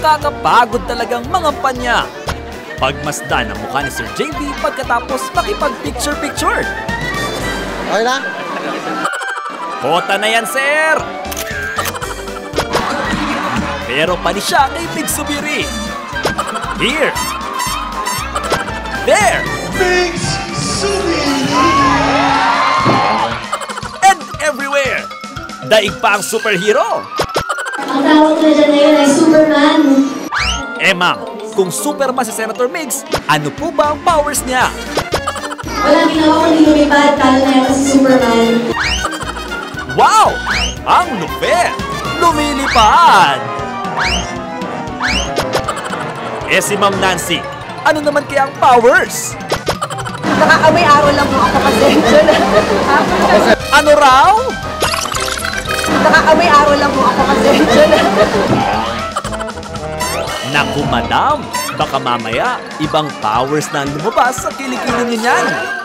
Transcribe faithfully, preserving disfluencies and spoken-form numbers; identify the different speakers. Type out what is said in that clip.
Speaker 1: Nakakapagod talagang mangampanya. Pagmasdan ang mukha ni Sir J B pagkatapos makipag-picture-picture.
Speaker 2: Okay na?
Speaker 1: Kota na yan, sir! Pero pani siya kay Big Subiri. Here! There!
Speaker 3: Big Subiri!
Speaker 1: And everywhere! Daig pa ang superhero!
Speaker 4: Ang tawag na dyan ngayon ay Superman.
Speaker 1: Eh ma'am, kung Superman si Senator Migs, ano po ba ang powers niya?
Speaker 4: Walang ginawa kundi lumipad, talo na yan si Superman.
Speaker 1: Wow! Ang lupit! Lumilipad! Eh si Ma'am Nancy, ano naman kaya ang powers?
Speaker 5: Nakaamoy araw lang po ako kasi.
Speaker 1: Ano raw?
Speaker 5: Nakaamoy araw lang po ako kasi.
Speaker 1: Naku madam, baka mamaya ibang powers na lumabas sa kilikili niyo niyan.